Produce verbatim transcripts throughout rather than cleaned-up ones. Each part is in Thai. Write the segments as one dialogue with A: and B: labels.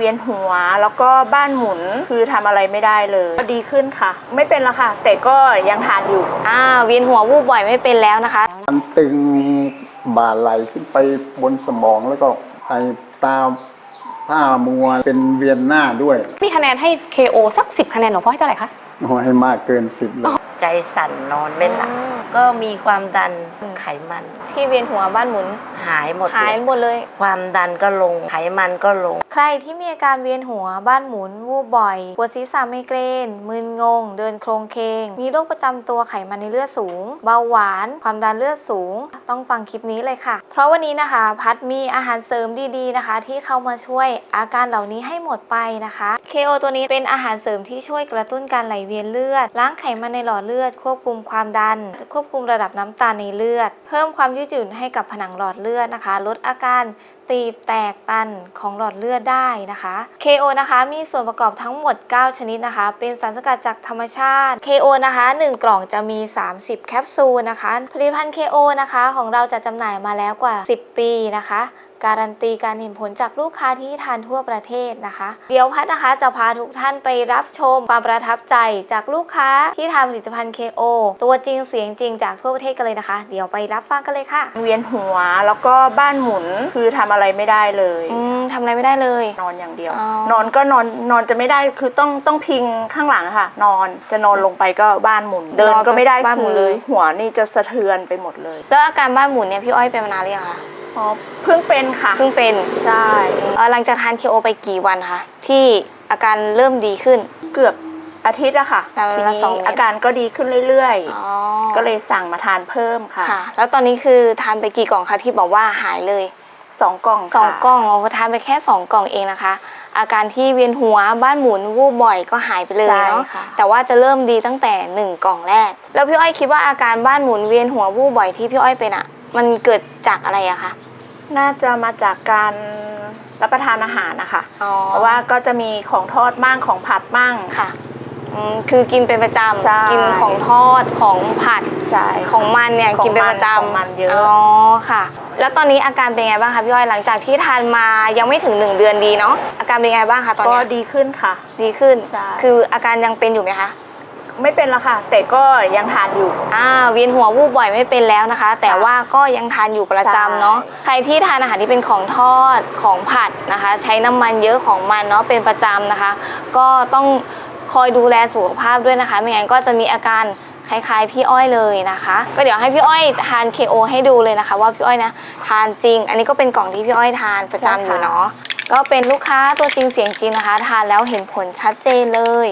A: วียนหัวแล้วก็บ้านหมุนคือทำอะไรไม่ได้เลยดีขึ้นค่ะไม่เป็นละค่ะแต่ก็ยังทานอยู่
B: อ่าเวียนหัววูบบ่อยไม่เป็นแล้วนะคะ
C: มันตึงบ่าไหลขึ้นไปบนสมองแล้วก็ไอตาผ้ามัวเป็นเวียนหน้าด้วย
D: มีคะแนนให้ เค โอ สักสิบคะแนนหลวงพ่อให้เท่าไหร่คะ
C: โอ้ให้มากเกินสิบเลย
E: ใจสั่นนอนไม่หลับก็มีความดันไขมัน
B: ที่เวียนหัวบ้านหมุน
E: หายหมด
B: หายหมดเลย
E: ความดันก็ลงไขมันก็ลง
B: ใครที่มีอาการเวียนหัวบ้านหมุนวูบบ่อยปวดศีรษะไมเกรนมึนงงเดินโครงเคงมีโรคประจำตัวไขมันในเลือดสูงเบาหวานความดันเลือดสูงต้องฟังคลิปนี้เลยค่ะเพราะวันนี้นะคะพัดมีอาหารเสริมดีๆนะคะที่เข้ามาช่วยอาการเหล่านี้ให้หมดไปนะคะ เค โอ ตัวนี้เป็นอาหารเสริมที่ช่วยกระตุ้นการไหลเวียนเลือดล้างไขมันในหลอดเลือดควบคุมความดันควบคุมระดับน้ำตาลในเลือดเพิ่มความยืดหยุ่นให้กับผนังหลอดเลือดนะคะลดอาการตีบแตกตันของหลอดเลือดได้นะคะ เค โอ นะคะมีส่วนประกอบทั้งหมดเก้าชนิดนะคะเป็นสารสกัดจากธรรมชาติ เค โอ นะคะหนึ่งกล่องจะมีสามสิบแคปซูลนะคะผลิตภัณฑ์ เค โอ นะคะของเราจะจำหน่ายมาแล้วกว่าสิบปีนะคะการันตีการเห็นผลจากลูกค้าที่ทานทั่วประเทศนะคะเดี๋ยวพัดนะคะจะพาทุกท่านไปรับชมความประทับใจจากลูกค้าที่ทานผลิตภัณฑ์ เค โอ ตัวจริงเสียงจริงจากทั่วประเทศกันเลยนะคะเดี๋ยวไปรับฟังกันเลยค่ะ
A: เวียนหัวแล้วก็บ้านหมุนคือทำอะไรไม่ได้เลย
B: อืมทำอะไรไม่ได้เลย
A: นอนอย่างเดียวนอนก็นอนนอนจะไม่ได้คือต้องต้องพิงข้างหลังค่ะนอนจะนอนลงไปก็บ้านหมุนเดินก็ไม่ได้คือหัวนี่จะสะเทือนไปหมดเลย
B: แล้วอาการบ้านหมุนเนี่ยพี่อ้อยเป็นมานานหรือยังคะ
A: อ๋อเพิ่งเป็นค่ะ
B: เพิ่งเป็น
A: ใช่
B: หลังจากทาน เค โอ ไปกี่วันคะที่อาการเริ่มดีขึ้น
A: เกือบอาทิตย์อะค่ะทีนี้อาการก็ดีขึ้นเรื่อยๆก็เลยสั่งมาทานเพิ่มค่ะ
B: ค่ะแล้วตอนนี้คือทานไปกี่กล่องคะที่บอกว่าหายเลย
A: สองกล่อง
B: สองกล่องเราทานไปแค่สองกล่องเองนะคะอาการที่เวียนหัวบ้านหมุนวูบบ่อยก็หายไปเลยเนาะแต่ว่าจะเริ่มดีตั้งแต่หนึ่งกล่องแรกแล้วพี่อ้อยคิดว่าอาการบ้านหมุนเวียนหัววูบบ่อยที่พี่อ้อยเป็นอะมันเกิดจากอะไรอะคะ
A: น่าจะมาจากการรับประทานอาหารนะคะเพราะว่าก็จะมีของทอดมั่งของผัดมั่ง
B: ค่ะคือกินเป็นประจำกินของทอดของผัดของมันเนี่ยกินเป็นประจำ
A: ของมันเยอะ
B: อ๋อค่ะแล้วตอนนี้อาการเป็นไงบ้างคะพี่อ้อยหลังจากที่ทานมายังไม่ถึงหนึ่งเดือนดีเนาะอาการเป็นไงบ้างคะตอนนี้
A: ก็ดีขึ้นค่ะ
B: ดีขึ้นคืออาการยังเป็นอยู่ไหมคะ
A: ไม่เป็นละค่ะแต่ก็ยังทานอยู่
B: อ่าเวียนหัววูบบ่อยไม่เป็นแล้วนะคะแต่ว่าก็ยังทานอยู่ประจำเนาะใครที่ทานอาหารที่เป็นของทอดของผัดนะคะใช้น้ำมันเยอะของมันเนาะเป็นประจำนะคะก็ต้องคอยดูแลสุขภาพด้วยนะคะไม่งั้นก็จะมีอาการคล้ายๆพี่อ้อยเลยนะคะก็เดี๋ยวให้พี่อ้อยทาน เค โอ ให้ดูเลยนะคะว่าพี่อ้อยนะทานจริงอันนี้ก็เป็นกล่องที่พี่อ้อยทานประจำอยู่เนาะก็เป็นลูกค้าตัวจริงเสียงจริงนะคะทานแล้วเห็นผลชัดเจนเลย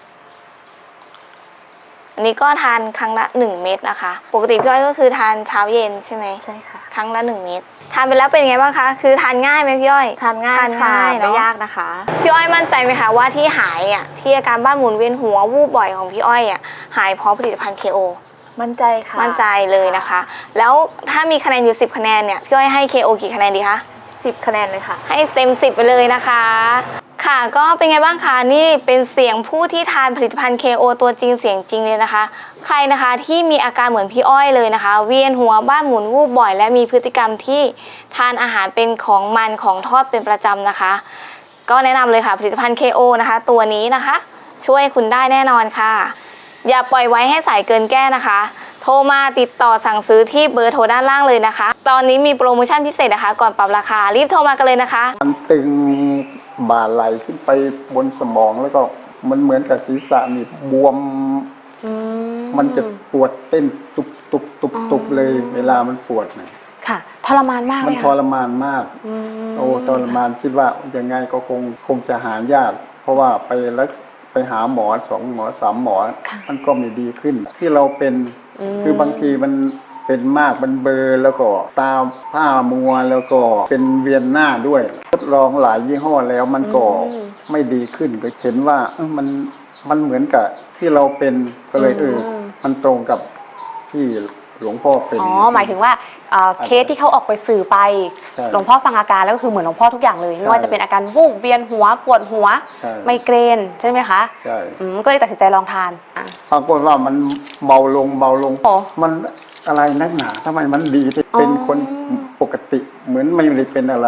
B: อันนี้ก็ทานครั้งละหนึ่งเม็ดนะคะปกติพี่อ้อยก็คือทานเช้าเย็นใช่ไหม
A: ใช่ค่ะ
B: ครั้งละหนึ่งเม็ดทานไปแล้วเป็นไงบ้างคะคือทานง่ายไหมพี่อ้อย
A: ทานง่ายทานง่ายไม่ยากนะคะ
B: พี่อ้อยมั่นใจไหมคะว่าที่หายอ่ะที่อาการบ้านหมุนเวียนหัววูบบ่อยของพี่อ้อยอ่ะหายเพราะผลิตภัณฑ์ เค โอ
A: มั่นใจค่ะ
B: มั่นใจเลยนะคะแล้วถ้ามีคะแนนอยู่สิบคะแนนเนี่ยพี่อ้อยให้ เค โอ กี่คะแนนดีคะ
A: สิบคะแนนเลยค่ะ
B: ให้เต็มสิบไปเลยนะคะค่ะก็เป็นไงบ้างคะนี่เป็นเสียงผู้ที่ทานผลิตภัณฑ์ เค โอ ตัวจริงเสียงจริงเลยนะคะใครนะคะที่มีอาการเหมือนพี่อ้อยเลยนะคะเวียนหัวบ้านหมุนวูบบ่อยและมีพฤติกรรมที่ทานอาหารเป็นของมันของทอดเป็นประจำนะคะก็แนะนำเลยค่ะผลิตภัณฑ์ เค โอ นะคะตัวนี้นะคะช่วยคุณได้แน่นอนค่ะอย่าปล่อยไว้ให้สายเกินแก้นะคะโทรมาติดต่อสั่งซื้อที่เบอร์โทรด้านล่างเลยนะคะตอนนี้มีโปรโมชั่นพิเศษนะคะก่อนปรับราคารีบโทรมากันเลยนะคะ
C: มันตึงบ่าไหลขึ้นไปบนสมองแล้วก็มันเหมือนกับศีรษะนี่บวมมันจะปวดเต้นตุบตุบตุบตุบเลยเวลามันปวดเนี่ย
D: ค่ะทรมานมาก
C: มันทรมานมากโอ้ทรมานคิดว่ายังไงก็คงคงจะหายากเพราะว่าไปรักไปหาหมอสองหมอสามหมอมันก็ไม่ดีขึ้นที่เราเป็นคือบางทีมันเป็นมากมันเบลอแล้วก็ตาผ้ามัวแล้วก็เป็นเวียนหน้าด้วยทดลองหลายยี่ห้อแล้วมันก็ไม่ดีขึ้นก็เห็นว่ามันมันเหมือนกับที่เราเป็นก็เลยเออมันตรงกับที่หลวงพ่อเป็น
D: อ๋อหมายถึงว่าเคสที่เขาออกไปสื่อไปหลวงพ่อฟังอาการแล้วก็คือเหมือนหลวงพ่อทุกอย่างเลยไม่ว่าจะเป็นอาการวูบเวียนหัวปวดหัวไมเกรนใช่ไหมคะ
C: ใช่
D: ก็เลยตัดสินใจลองทาน
C: ปรากฏว่ามันเบาลงเบาลงมันอะไรนักหนาทำไมมันดีเป็นคนปกติเหมือนไม่ได้เป็นอะไรเลย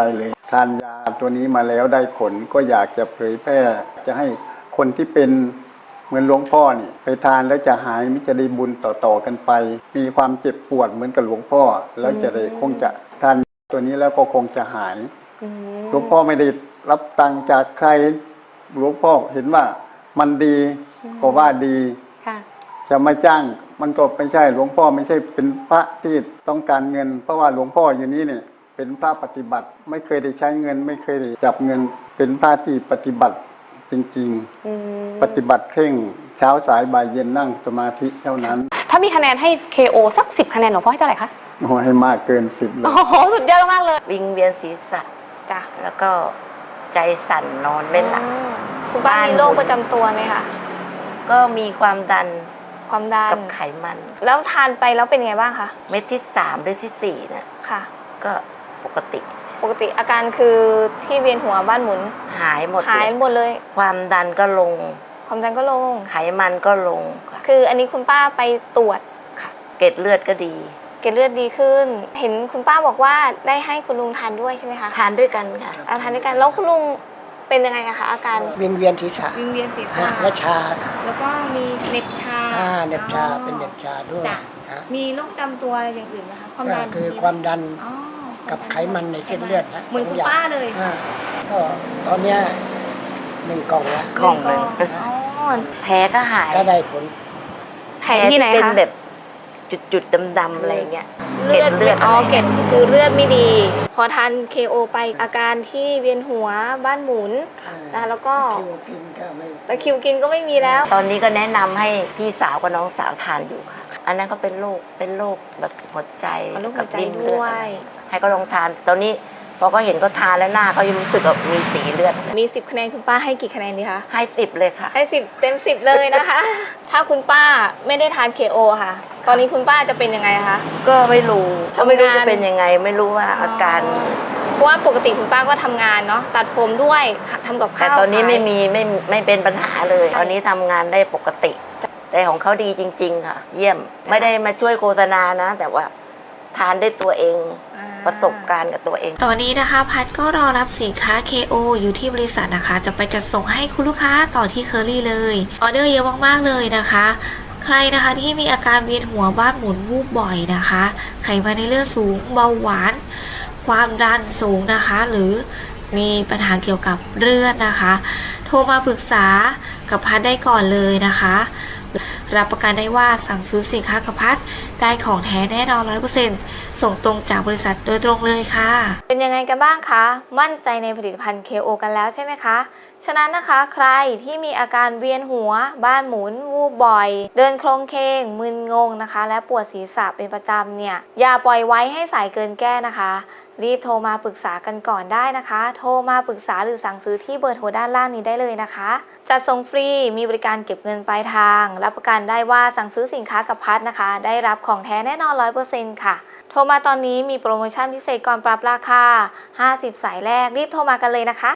C: ทานยาตัวนี้มาแล้วได้ผลก็อยากจะเผยแพร่จะให้คนที่เป็นเหมือนหลวงพ่อนี่ไปทานแล้วจะหายมิจะได้บุญต่อๆกันไป มีความเจ็บปวดเหมือนกับหลวงพ่อแล้วจะได้คงจะทานตัวนี้แล้วก็คงจะหายหลวงพ่อไม่ได้รับตังค์จากใครหลวงพ่อเห็นว่ามันดีก็ว่าดีจะมาจ้างมันก็ไม่ใช่หลวงพ่อไม่ใช่เป็นพระที่ต้องการเงิน เพราะว่าหลวงพ่ออยู่นี้เนี่ยเป็นพระปฏิบัติไม่เคยได้ใช้เงินไม่เคยได้จับเงินเป็นพระที่ปฏิบัติจริงๆปฏิบัติเคร่งเช้าสายบ่ายเย็นนั่งสมาธิเท่านั้น
D: ถ้ามีคะแนนให้ เค โอ สักสิบคะแนนหลวงพ่อให้เท่าไหร่คะ
C: โอ้ให้มากเกินสิบเลย
D: โอ้โหสุดยอดมากเลย
E: วิงเวียนศีรษะจ้ะแล้วก็ใจสั่นนอนไม่หลับ
B: คุณป้ามีโรคประจำตัวไหมคะ
E: ก็มีความดัน
B: ความดัน
E: กับไขมัน
B: แล้วทานไปแล้วเป็นไงบ้างคะ
E: เม็ดที่สามหรือที่สี่น่ะ
B: ค่ะ
E: ก็ปกติ
B: ปกติอาการคือที่เวียนหัวบ้านหมุน
E: หายหมด
B: หายหมดเลย
E: ความดันก็ลง
B: ความดันก็ลง
E: ไขมันก็ลง
B: คืออันนี้คุณป้าไปตรวจ
E: ค่ะเกล็ดเลือดก็ดี
B: เกล็ดเลือดดีขึ้นเห็นคุณป้าบอกว่าได้ให้คุณลุงทานด้วยใช่ไหมคะ
E: ทานด้วยกันค่ะ
B: ทานด้วยกันแล้วคุณลุงเป็นยังไงอะคะอาการ
F: วิงเวียนศีรษะ
B: วิงเวียนศีรษะ
F: และชา
B: แล้วก็มีเหน็บชา
F: อ่าเหน็บชาเป็นเหน็บชาด้วย
B: มีโรคจำตัวอย่างอื่นไหมคะความดัน
F: คือความดันกับไขมันในเส้นเลือดนะ
B: เหมือนคุณป้าเลย
F: ก็ตอนเนี้ยหนึ่งกล่องละ
E: กล่องเลยแผลก็หาย
F: ก็ได้ผล
B: แผลที่ไหนคะ
E: เป็นแบบจุดๆดำๆอะไรเงี้ย
B: เลือดเลือดอ๋อเกล็ดคือเลือดไม่ดีพอทาน เค โอ ไปอาการที่เวียนหัวบ้านหมุนนะแล้วก็ตะคริวกินก็ไม่มีแล้ว
E: ตอนนี้ก็แนะนำให้พี่สาวกับน้องสาวทานอยู่ค่ะอันนั้นก็เป็นโรคเป็นโรคแบบหัวใจ
B: กับริ่มเลือด
E: ให้ก็ลองทานตอนนี้พอก็เห็นก็ทานแล้วหน้าเขายังรู้สึกแบบมีสีเลือด
B: มีสิบคะแนนคุณป้าให้กี่คะแนนดีคะ
E: ให้สิบเลยค่ะ
B: ให้สิบเต็มสิบเลยนะคะถ้าคุณป้าไม่ได้ทาน เค โอ ค่ะตอนนี้คุณป้าจะเป็นยังไงคะ
E: ก็ไม่รู้ก็ไม่รู้จะเป็นยังไงไม่รู้ว่าอาการ
B: เพราะว่าปกติคุณป้าก็ทำงานเนาะตัดผมด้วยทำกับข้าว
E: แต่ตอนนี้ไม่มีไม่ไม่เป็นปัญหาเลยตอนนี้ทำงานได้ปกติแต่ของเขาดีจริงๆค่ะเยี่ยมไม่ได้มาช่วยโฆษณานะแต่ว่าทานได้ตัวเองประสบการณ์กับตัวเอง
B: ตอนนี้นะคะพัดก็รอรับสินค้า เค โอ อยู่ที่บริษัทนะคะจะไปจัดส่งให้คุณลูกค้าต่อที่เคอรี่เลยออเดอร์เยอะมากๆเลยนะคะใครนะคะที่มีอาการเวียนหัวบ้านหมุนวูบบ่อยนะคะไขมันในเลือดสูงเบาหวานความดันสูงนะคะหรือมีปัญหาเกี่ยวกับเลือดนะคะโทรมาปรึกษากับพัดได้ก่อนเลยนะคะรับประกันได้ว่าสั่งซื้อสินค้ากับพัดได้ของแท้แน่นอน ร้อยเปอร์เซ็นต์ ส่งตรงจากบริษัทโดยตรงเลยค่ะเป็นยังไงกันบ้างคะมั่นใจในผลิตภัณฑ์ เค โอ กันแล้วใช่ไหมคะฉะนั้นนะคะใครที่มีอาการเวียนหัวบ้านหมุนวูบบ่อยเดินโคลงเคงมึนงงนะคะและปวดศีรษะเป็นประจำเนี่ยอย่าปล่อยไว้ให้สายเกินแก้นะคะรีบโทรมาปรึกษากันก่อนได้นะคะโทรมาปรึกษาหรือสั่งซื้อที่เบอร์โทรด้านล่างนี้ได้เลยนะคะจัดส่งฟรีมีบริการเก็บเงินปลายทางรับประกันได้ว่าสั่งซื้อสินค้ากับพัดนะคะได้รับของแท้แน่นอน ร้อยเปอร์เซ็นต์ ค่ะโทรมาตอนนี้มีโปรโมชั่นพิเศษก่อนปรับราคาห้าสิบสายแรกรีบโทรมากันเลยนะคะ